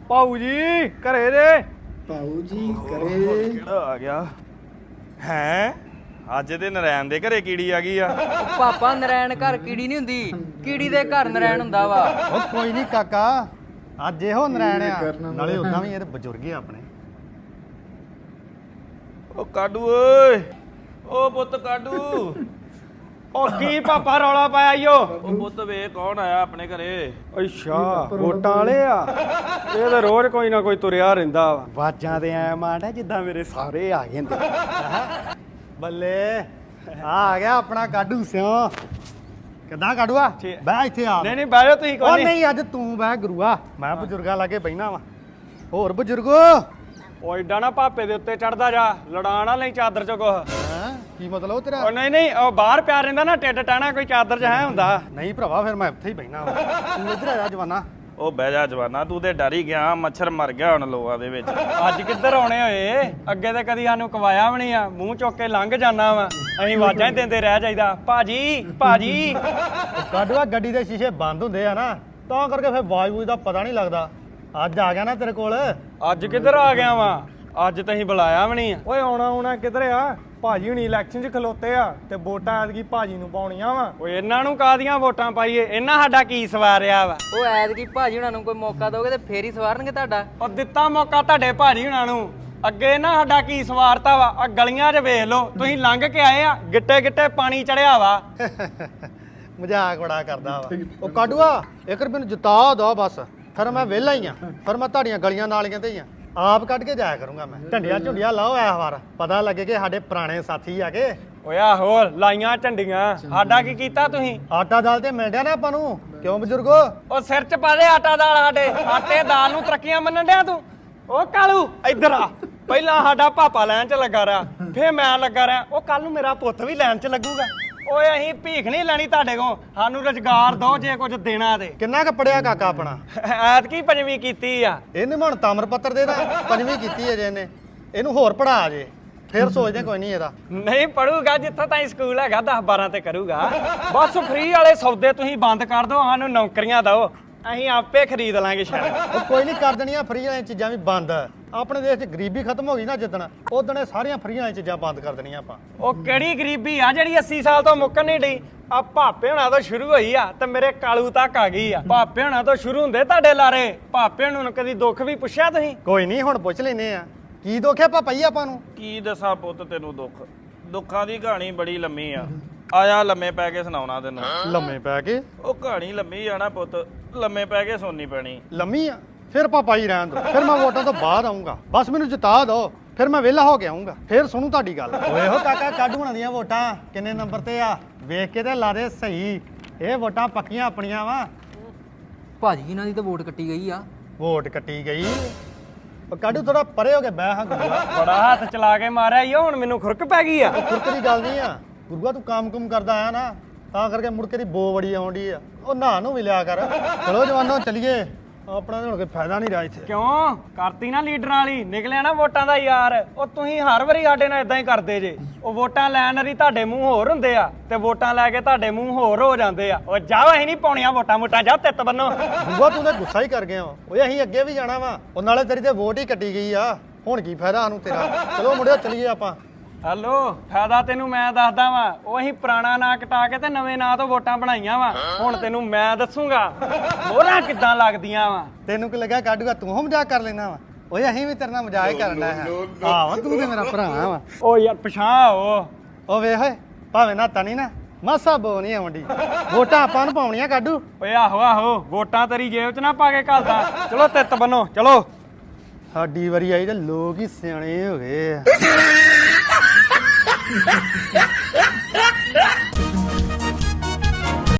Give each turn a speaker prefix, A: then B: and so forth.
A: ਭਾਊ ਜੀ ਘਰੇ ਜੇ
B: ਭਾਊ ਜੀ ਘਰੇ
A: ਕਿਹੜਾ ਆ ਗਿਆ ਹੈ ਅੱਜ ਤੇ ਨਰੈਣ ਦੇ ਘਰੇ ਕੀੜੀ ਆ ਗਈ ਆ
C: ਉਹ ਪਾਪਾ ਨਰੈਣ ਘਰ ਕੀੜੀ ਨਹੀਂ ਹੁੰਦੀ, ਕੀੜੀ ਦੇ ਘਰ ਨਰੈਣ ਹੁੰਦਾ ਵਾ।
D: ਉਹ ਕੋਈ ਨਹੀਂ ਕਾਕਾ ਅੱਜ ਇਹੋ ਨਰੈਣ ਆ,
B: ਕਰਨਾ
D: ਨਾਲੇ ਉਦਾਂ ਵੀ ਇਹ ਬਜ਼ੁਰਗ ਆ ਆਪਣੇ।
A: ਉਹ ਕਾਡੂ ਓਏ ਉਹ ਪੁੱਤ ਕਾਡੂ ਉਹ ਕੀ ਪਾਪਾ ਰੌਲਾ ਪਾਇਆ ਈਓ ਉਹ ਪੁੱਤ ਵੇ ਕੌਣ ਆਇਆ ਆਪਣੇ ਘਰੇ ਅੱਛਾ ਵੋਟਾਂ ਵਾਲੇ ਆ ਇਹ ਤਾਂ ਰੋਜ਼ ਕੋਈ ਨਾ ਕੋਈ ਤੁਰਿਆ ਰਹਿੰਦਾ ਵਾ
D: ਵਾਜਾਂ ਦੇ ਐ ਮਾਂਡਾ ਜਿੱਦਾਂ ਮੇਰੇ ਸਾਰੇ ਆ ਗਏ ਹੁੰਦੇ। ਬੱਲੇ ਆ ਗਿਆ ਆਪਣਾ ਕਾਡੂ ਸਿਓ। ਕਿੱਦਾਂ ਕਾਡੂਆ ਬਹਿ ਇੱਥੇ ਆ।
A: ਨਹੀਂ ਨਹੀਂ ਬਹਿ ਜਾਓ ਤੁਸੀਂ
D: ਉਹ
A: ਕੋਈ
D: ਨਹੀਂ ਅੱਜ ਤੂੰ ਬਹਿ ਗੁਰੂਆ, ਮੈਂ ਬਜ਼ੁਰਗਾਂ ਲਾਗੇ ਬਹਿਣਾ ਵਾ। ਹੋਰ ਬਜ਼ੁਰਗੋ
A: ਉਹ ਏਡਾ ਨਾ ਪਾਪੇ ਦੇ ਉੱਤੇ ਚੜਦਾ ਜਾ ਲੜਾ ਨਾ ਲਈ ਚਾਦਰ ਚ ਕੁਛ
D: ਹੈਂ ਕੀ ਮਤਲਬ ਤੇਰਾ?
A: ਉਹ ਨਹੀਂ ਉਹ ਬਾਹਰ ਪਿਆ ਰਹਿੰਦਾ ਨਾ ਟਿੱਡ ਟਾਣਾ ਕੋਈ ਚਾਦਰ ਚ ਹੈ ਹੁੰਦਾ
D: ਨਹੀਂ ਭਰਾਵਾ ਫਿਰ ਮੈਂ ਇੱਥੇ ਹੀ ਬਹਿਣਾ ਵਾ। ਤੂੰ ਇੱਧਰ ਆ ਜਾ ਜਵਾਨਾ।
A: ਉਹ ਬਹਿ ਜਾ ਜਵਾਨਾ ਤੂੰ ਤੇ ਡਰ ਹੀ ਗਿਆ ਮੱਛਰ ਮਰ ਗਿਆ ਹੁਣ ਲੋਆਂ ਦੇ ਵਿੱਚ ਅੱਜ ਕਿੱਧਰ ਆਉਣੇ ਹੋਏ ਅੱਗੇ ਤੇ ਕਦੀ ਸਾਨੂੰ ਕਵਾਇਆ ਵੀ ਨਹੀਂ ਆ ਮੂੰਹ ਚੁੱਕ ਕੇ ਲੰਘ ਜਾਣਾ ਵਾ ਅਸੀਂ ਆਵਾਜ਼ਾਂ ਹੀ ਦਿੰਦੇ ਰਹਿ ਜਾਈਦਾ ਭਾਜੀ ਭਾਜੀ
D: ਕਾਡੂਆ ਗੱਡੀ ਦੇ ਸ਼ੀਸ਼ੇ ਬੰਦ ਹੁੰਦੇ ਆ ਨਾ ਤਾਂ ਕਰਕੇ ਫਿਰ ਆਵਾਜ਼ ਦਾ ਪਤਾ ਨਹੀਂ ਲੱਗਦਾ। ਅੱਜ ਆ ਗਿਆ ਨਾ ਤੇਰੇ ਕੋਲ।
A: ਅੱਜ ਕਿੱਧਰ ਆ ਗਿਆ ਵਾ ਅੱਜ ਤਾਂ ਅਸੀਂ ਬੁਲਾਇਆ ਵੀ ਨਹੀਂ ਆ ਓਏ ਆਉਣਾ ਕਿੱਧਰ ਆ ਭਾਜੀ ਹੁਣੀ ਇਲੈਕਸ਼ਨ 'ਚ ਖਲੋਤੇ ਆ ਤੇ ਵੋਟਾਂ ਐਤਕੀ ਭਾਜੀ ਨੂੰ ਪਾਉਣੀਆਂ ਵਾ ਓਏ ਇਹਨਾਂ ਨੂੰ ਕਾਹਦੀਆਂ ਵੋਟਾਂ ਪਾਈਏ ਇਹਨਾਂ ਸਾਡਾ ਕੀ ਸਵਾਰਿਆ ਵਾ
C: ਉਹ ਐਤਕੀ ਭਾਜੀ ਹੁਣਾਂ ਨੂੰ ਕੋਈ ਮੌਕਾ ਦੋਗੇ ਤੇ ਫੇਰ ਹੀ ਸਵਾਰਨਗੇ ਤੁਹਾਡਾ।
A: ਉਹ ਦਿੱਤਾ ਮੌਕਾ ਤੁਹਾਡੇ ਭਾਜੀ ਹੁਣਾਂ ਨੂੰ ਅੱਗੇ ਨਾ ਸਾਡਾ ਕੀ ਸਵਾਰਤਾ ਵਾ ਆ ਗਲੀਆਂ 'ਚ ਵੇਖ ਲਓ ਤੁਸੀਂ ਲੰਘ ਕੇ ਆਏ ਆ ਗਿੱਟੇ ਗਿੱਟੇ ਪਾਣੀ ਚੜਿਆ ਵਾ
D: ਮਜ਼ਾਕ ਬੜਾ ਕਰਦਾ ਵਾ। ਉਹ ਕਾਡੂਆ ਇੱਕ ਰੁਪਏ ਨੂੰ ਜਿਤਾ ਦੋ ਬਸ, ਫਿਰ ਮੈਂ ਵਿਹਲਾ ਹੀ ਆ। ਫਿਰ ਮੈਂ ਤੁਹਾਡੀਆਂ ਗਲੀਆਂ ਨਾਲੀਆਂ ਤੇ ਹੀ ਆ ਆਪ ਕੱਢ ਕੇ ਜਾਇਆ ਕਰੂੰਗਾ। ਮੈਂ ਢੰਡੀਆਂ ਝੁੰਡੀਆਂ ਲਾਓ ਇਸ ਵਾਰ ਪਤਾ ਲੱਗੇ ਕਿ ਸਾਡੇ ਪੁਰਾਣੇ ਸਾਥੀ ਆ ਕੇ।
A: ਓਏ ਆਹੋ ਲਾਈਆਂ ਝੰਡੀਆਂ ਸਾਡਾ ਕੀ ਕੀਤਾ ਤੁਸੀਂ
D: ਆਟਾ ਦਾਲ ਤੇ ਮਿਲ ਡਿਆ ਨਾ ਆਪਾਂ ਨੂੰ, ਕਿਉਂ ਬਜ਼ੁਰਗੋ?
A: ਉਹ ਸਿਰ 'ਚ ਪਾ ਦੇ ਆਟਾ ਦਾਲ ਸਾਡੇ ਆਟੇ ਦਾਲ ਨੂੰ ਤਰੱਕੀਆਂ ਮੰਨਣ ਡਿਆ ਤੂੰ। ਉਹ ਕਾਲੂ ਇੱਧਰ ਆ ਪਹਿਲਾਂ ਸਾਡਾ ਪਾਪਾ ਲਾਈਨ 'ਚ ਲੱਗਾ ਰਿਹਾ ਫੇਰ ਮੈਂ ਲੱਗਾ ਰਿਹਾ ਉਹ ਕੱਲ ਨੂੰ ਮੇਰਾ ਪੁੱਤ ਵੀ ਲਾਈਨ 'ਚ ਲੱਗੂਗਾ। ਓਏ ਅਸੀਂ ਭੀਖ ਨਹੀਂ ਲੈਣੀ ਤੁਹਾਡੇ ਕੋਲ ਸਾਨੂੰ ਰੁਜ਼ਗਾਰ ਦਿਓ ਜੇ ਕੁਝ ਦੇਣਾ ਤੇ।
D: ਕਿੰਨਾ ਕੁ ਪੜਿਆ ਕਾਕਾ ਆਪਣਾ?
A: ਐਤਕੀ ਪੰਜਵੀਂ ਕੀਤੀ ਆ
D: ਇਹਨੇ ਹੁਣ ਤਾਮਰ ਪੱਤਰ ਦੇ ਦਾ ਪੰਜਵੀਂ ਕੀਤੀ ਹੈ ਜੇ ਇਹਨੇ। ਇਹਨੂੰ ਹੋਰ ਪੜਾ ਜੇ ਫਿਰ ਸੋਚਦੇ ਕੋਈ ਨਹੀਂ ਇਹਦਾ।
A: ਨਹੀਂ ਪੜੂਗਾ ਜਿੱਥੋਂ ਤਾਈਂ ਸਕੂਲ ਹੈਗਾ 10-12 ਤੇ ਕਰੂਗਾ। ਬਸ ਫ੍ਰੀ ਵਾਲੇ ਸੌਦੇ ਤੁਸੀਂ ਬੰਦ ਕਰ ਦਿਓ ਸਾਨੂੰ ਨੌਕਰੀਆਂ ਦਿਓ ਅਸੀਂ ਆਪੇ ਖਰੀਦ ਲਾਂਗੇ ਸ਼ਾਇਦ।
D: ਉਹ ਕੋਈ ਨਹੀਂ ਕਰ ਦੇਣੀਆਂ ਫਰੀ ਵਾਲੀਆਂ ਚੀਜ਼ਾਂ ਵੀ ਬੰਦ। ਆਪਣੇ ਦੇਸ਼ 'ਚ ਗਰੀਬੀ ਖਤਮ ਹੋ ਗਈ ਨਾ ਜਿੱਦਣ ਉਦਣ ਇਹ ਸਾਰੀਆਂ ਫਰੀ ਵਾਲੀਆਂ ਚੀਜ਼ਾਂ ਬੰਦ ਕਰ ਦੇਣੀਆਂ ਆਪਾਂ।
A: ਉਹ ਕਿਹੜੀ ਗਰੀਬੀ ਆ ਜਿਹੜੀ 80 ਸਾਲ ਤੋਂ ਮੁੱਕਣ ਨਹੀਂ ਡਈ ਆ ਭਾਪੇ ਹੁਣਾਂ ਤੋਂ ਸ਼ੁਰੂ ਹੋਈ ਆ ਤੇ ਮੇਰੇ ਕਾਲੂ ਤੱਕ ਆ ਗਈ ਆ। ਭਾਪੇ ਹੁਣਾਂ ਤੋਂ ਸ਼ੁਰੂ ਹੁੰਦੇ ਤੁਹਾਡੇ ਲਾਰੇ ਭਾਪੇ ਹੁਣਾਂ ਨੂੰ ਕਦੀ ਦੁੱਖ ਵੀ ਪੁੱਛਿਆ ਤੁਸੀਂ?
D: ਕੋਈ ਨਹੀਂ ਹੁਣ ਪੁੱਛ ਲੈਨੇ ਆ ਕੀ ਦੁੱਖ ਹੈ ਪਾਪਾ ਜੀ ਆਪਾਂ ਨੂੰ?
A: ਕੀ ਦੱਸਾਂ ਪੁੱਤ ਤੈਨੂੰ ਦੁੱਖਾਂ ਦੀ ਕਹਾਣੀ ਬੜੀ ਲੰਮੀ ਆ ਆਇਆ ਲੰਮੇ ਪੈ ਕੇ ਸੁਣਾਉਣਾ ਤੈਨੂੰ।
D: ਲੰਮੇ ਪੈ ਕੇ?
A: ਉਹ ਕਹਾਣੀ ਲੰਮੀ ਆ ਨਾ ਪੁੱਤ ਲੰਮੇ ਪੈ ਕੇ ਸੁਣਨੀ ਪੈਣੀ।
D: ਲੰਮੀ ਆ? ਫਿਰ ਪਾਪਾ ਜੀ ਰਹਿਣ ਦੋ, ਫਿਰ ਮੈਂ ਵੋਟਾਂ ਤੋਂ ਬਾਅਦ ਆਉਂਗਾ। ਬਸ ਮੈਨੂੰ ਜਿਤਾ ਦਿਓ ਫਿਰ ਮੈਂ ਵਿਹਲਾ ਹੋ ਕੇ ਆਉਂਗਾ ਫਿਰ ਸੁਣੂ ਤੁਹਾਡੀ ਗੱਲ। ਓਏ ਹੋ ਕਾਕਾ ਕਾਡੂ ਹੋਣਾ ਦੀਆਂ ਵੋਟਾਂ ਕਿੰਨੇ ਨੰਬਰ ਤੇ ਆ ਵੇਖ ਕੇ ਤੇ ਲਾ ਦੇ ਸਹੀ। ਇਹ ਵੋਟਾਂ ਪੱਕੀਆਂ ਆਪਣੀਆਂ ਵਾ।
C: ਭਾਜੀ ਇਹਨਾਂ ਦੀ ਤਾਂ ਵੋਟ ਕੱਟੀ ਗਈ ਆ।
D: ਵੋਟ ਕੱਟੀ ਗਈ? ਉਹ ਕਾਡੂ ਥੋੜਾ ਪਰੇ ਹੋ ਕੇ ਬਹਿ ਹਾਂ ਗੁਰੂਆ।
A: ਬੜਾ ਹੱਥ ਚਲਾ ਕੇ ਮਾਰਿਆ ਈ ਹੁਣ ਮੈਨੂੰ ਖੁਰਕ ਪੈ ਗਈ ਆ।
D: ਉਹ ਖੁਰਕ ਦੀ ਗੱਲ ਨਹੀਂ ਆ ਗੁਰੂਆ, ਤੂੰ ਕੰਮ ਕਰਦਾ ਆਇਆ ਨਾ ਤਾਂ ਕਰਕੇ ਮੁੜ ਕੇ ਦੀ ਬੋ ਬੜੀ ਆਉਂਦੀ ਆ। ਉਹ ਨਹਾ ਨੂੰ ਵੀ ਲਿਆ ਕਰ। ਚਲੋ ਜਵਾਨੋ ਚੱਲੀਏ ਆਪਣਾ ਤਾਂ ਹੁਣ ਕੋਈ ਫਾਇਦਾ ਨਹੀਂ ਰਿਹਾ ਇੱਥੇ।
A: ਕਿਉਂ ਕਰਤੀ ਨਾ ਲੀਡਰਾਂ ਵਾਲੀ ਨਿਕਲਿਆ ਨਾ ਵੋਟਾਂ ਦਾ ਯਾਰ। ਉਹ ਤੁਸੀਂ ਹਰ ਵਾਰੀ ਸਾਡੇ ਨਾਲ ਇਦਾਂ ਹੀ ਕਰਦੇ ਜੇ। ਉਹ ਵੋਟਾਂ ਲੈਣ ਵਾਲੀ ਤੁਹਾਡੇ ਮੂੰਹ ਹੋਰ ਹੁੰਦੇ ਆ ਤੇ ਵੋਟਾਂ ਲੈ ਕੇ ਤੁਹਾਡੇ ਮੂੰਹ ਹੋਰ ਹੋ ਜਾਂਦੇ ਆ। ਉਹ ਜਾਓ ਅਸੀਂ ਨਹੀਂ ਪਾਉਣੀਆਂ ਵੋਟਾਂ ਜਾ ਤਿੱਤ ਬੰਨੋ।
D: ਗੁਰੂਆ ਤੂੰ ਤਾਂ ਗੁੱਸਾ ਹੀ ਕਰ ਗਿਆ ਵਾ। ਓਏ ਅਸੀਂ ਅੱਗੇ ਵੀ ਜਾਣਾ ਵਾ। ਉਹ ਨਾਲੇ ਤੇਰੀ ਤੇ ਵੋਟ ਹੀ ਕੱਟੀ ਗਈ ਆ ਹੁਣ ਕੀ ਫਾਇਦਾ ਸਾਨੂੰ ਤੇਰਾ। ਚਲੋ ਮੁੰਡਿਓ ਚੱਲੀਏ ਆਪਾਂ।
A: ਹੈਲੋ ਫਾਇਦਾ ਤੈਨੂੰ ਮੈਂ ਦੱਸਦਾ ਵਾਂ। ਉਹ ਅਸੀਂ ਪੁਰਾਣਾ ਨਾਂ ਕਟਾ ਕੇ ਤੇ ਨਵੇਂ ਨਾਂ ਤੋਂ ਵੋਟਾਂ ਬਣਾਈਆਂ ਵਾ। ਹੁਣ ਤੈਨੂੰ ਮੈਂ ਦੱਸੂਗਾ ਮੋਹਰਾਂ ਕਿੱਦਾਂ ਲੱਗਦੀਆਂ ਵਾ।
D: ਤੈਨੂੰ ਕੀ ਲੱਗਾ ਕਾਡੂਗਾ ਤੂੰ ਮਜ਼ਾਕ ਕਰ ਲੈਣਾ ਵਾ? ਓਏ ਅਸੀਂ ਵੀ ਤੇਰੇ ਨਾਲ ਮਜ਼ਾਕ ਹੀ ਕਰਨਾ ਹੈ। ਆਹ ਤੂੰ ਤੇ ਮੇਰਾ ਭਰਾ ਵਾ।
A: ਉਹ ਯਾਰ ਪਛਾਣ
D: ਉਹ ਵੇਖ ਓਏ ਭਾਵੇਂ ਨਾ ਤਣੀ ਨਾ ਮਾਸਾ ਬੋ ਨਹੀਂ ਆਉਂਦੀ। ਵੋਟਾਂ ਆਪਾਂ ਨੂੰ ਪਾਉਣੀਆਂ ਕਾਡੂ।
A: ਓਏ ਆਹੋ ਵੋਟਾਂ ਤੇਰੀ ਜੇਬ 'ਚ ਨਾ ਪਾ ਕੇ ਘੱਲਦਾ। ਚਲੋ ਤਿੱਤ ਬੰਨੋ ਚਲੋ।
D: ਸਾਡੀ ਵਾਰੀ ਆਈ ਤੇ ਲੋਕ ਹੀ ਸਿਆਣੇ ਹੋ ਗਏ ਆ।